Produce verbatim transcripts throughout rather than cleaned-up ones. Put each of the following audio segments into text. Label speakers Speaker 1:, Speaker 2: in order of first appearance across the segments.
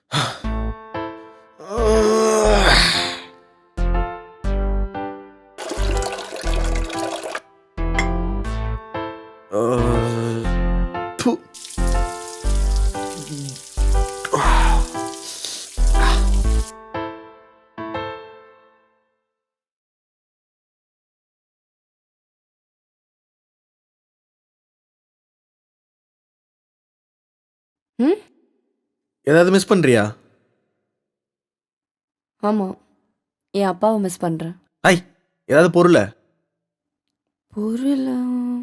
Speaker 1: ம்
Speaker 2: ஏதாவது மிஸ் பண்றியா?
Speaker 1: ஆமாம், என் அப்பாவை மிஸ் பண்ணுறேன்.
Speaker 2: ஐ ஏதாவது பொருளை
Speaker 1: பொருளா?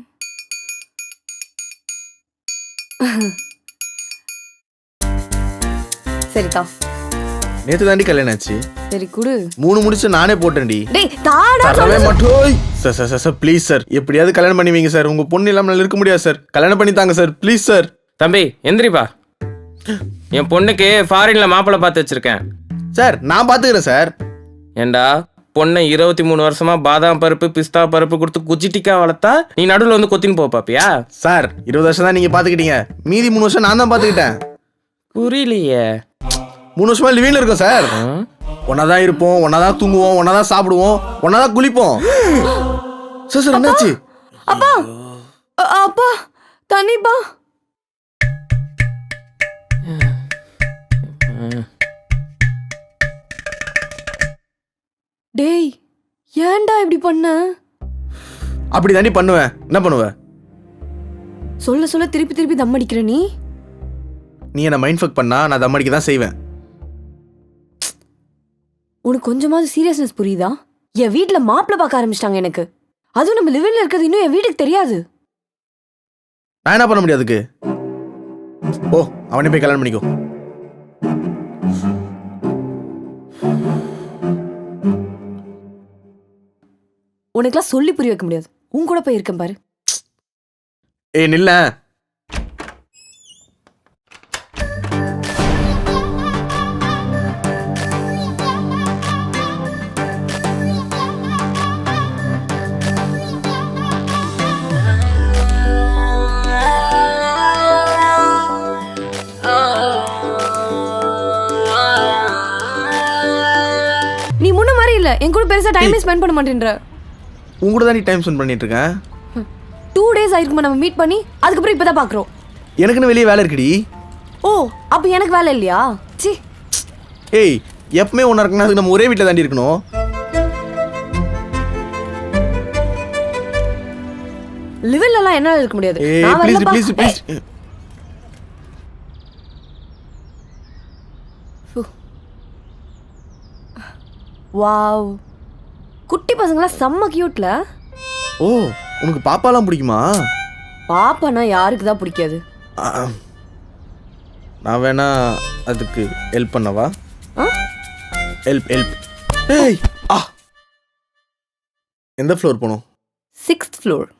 Speaker 1: சரிக்கா,
Speaker 2: நேத்து தாண்டி கல்யாணம் ஆச்சு.
Speaker 1: சரி குடு.
Speaker 2: மூணு முடிச்சு நானே போட்டேன்டி.
Speaker 1: டேய் தாடா
Speaker 2: தரவே மாட்டோய். Sir sir sir please sir, எப்படியாவது கல்யாணம் பண்ணி வைங்க சார். உங்க பொண்ணு இல்லாம நல்லா இருக்க முடியாது சார். கல்யாணம் பண்ணி தாங்க சார் ப்ளீஸ் சார்.
Speaker 3: தம்பி எந்திரிப்பா, என் பொண்ணுக்கு ஃபாரின்ல மாப்பிள்ளை பார்த்து வச்சிருக்கேன்.
Speaker 2: சார் நான் பாத்துக்கிறேன் சார்.
Speaker 3: ஏண்டா பொண்ணை இருபத்தி மூணு வருஷமா பாதாம் பருப்பு பிஸ்தா பருப்பு கொடுத்து குஜிட்டிக்கா வளர்த்தா நீ நடுவில் வந்து கொத்தின்னு போ பாப்பியா?
Speaker 2: சார் இருபது வருஷம் தான் நீங்க பாத்துக்கிட்டீங்க, மீதி மூணு வருஷம் நான் தான் பாத்துக்கிட்டேன்.
Speaker 3: புரியலையே.
Speaker 2: மூணு வருஷமா லிவிங்ல இருக்கோம் சார். ஒன்னாதான் இருப்போம், ஒன்னாதான் தூங்குவோம், ஒன்னாதான் சாப்பிடுவோம், ஒன்னாதான் குளிப்போம். சார் சார் என்னாச்சு?
Speaker 1: அப்பா அ- அப்பா தண்ணிப்பா. டேய் ஏன்டா இப்படி பண்ண?
Speaker 2: அப்படி தாண்டி பண்ணுவேன். என்ன பண்ணுவேன்?
Speaker 1: சொல்ல சொல்ல திருப்பி திருப்பி தம் அடிக்கிற நீ.
Speaker 2: நீ என்ன மைண்ட் ஃபக் பண்ணா நான் தம்மடிக்க தான் செய்வேன்.
Speaker 1: உனக்கு கொஞ்சமாவது சீரியஸ்னஸ் புரியுதா? என் வீட்டுல மாப்பிள்ளை பார்க்க ஆரம்பிச்சிட்டாங்க எனக்கு. அதுவும் நம்ம லிவிங்ல இருக்கிறது இன்னும் என் வீட்டுக்கு தெரியாது.
Speaker 2: நான் என்ன பண்ண முடியும் அதுக்கு? ஓ அவனே போய் கல்யாணம் பண்ணிக்கோ.
Speaker 1: உனக்குலாம் சொல்லி புரிய வைக்க முடியாது. உன் கூட போய் இருக்கேன் பாரு.
Speaker 2: ஏய் நில்ல.
Speaker 1: நீ முன்ன மாதிரி இல்ல, என் கூட பெருசா டைமே ஸ்பெண்ட் பண்ண மாட்டேன்ற.
Speaker 2: உன் கூட தான் நீ டைம் ஸ்பெண்ட் பண்ணிட்டு இருக்கேன்.
Speaker 1: டூ டேஸ் ஆயிருக்குமா நம்ம மீட் பண்ணி, அதுக்கப்புறம் இப்பதான் பாக்குறோம்.
Speaker 2: எனக்குன்னு வெளியே வேலை இருக்குடி.
Speaker 1: ஓ அப்ப எனக்கு வேலை இல்லையா? சி
Speaker 2: ஏய் எப்பவுமே ஒன்றா இருக்குன்னா அதுக்கு நம்ம ஒரே வீட்டில் தாண்டி இருக்கணும்.
Speaker 1: லிவிங்ல எல்லாம் என்னால இருக்க முடியாது.
Speaker 2: ஏய்
Speaker 1: நான்
Speaker 2: ப்ளீஸ்
Speaker 1: வரலப்பா.
Speaker 2: Please please.
Speaker 1: வாவ், குட்டி பசங்களா செம்ம கியூட்ல.
Speaker 2: ஓ உனக்கு பாப்பாலாம் பிடிக்குமா?
Speaker 1: பாப்பானா யாருக்கு தான் பிடிக்காது?
Speaker 2: ஆ, நான் வேணா அதுக்கு ஹெல்ப் பண்ணவா? Help help. ஏய் ஆ எந்த ஃப்ளோர் போகணும்?
Speaker 1: Sixth floor.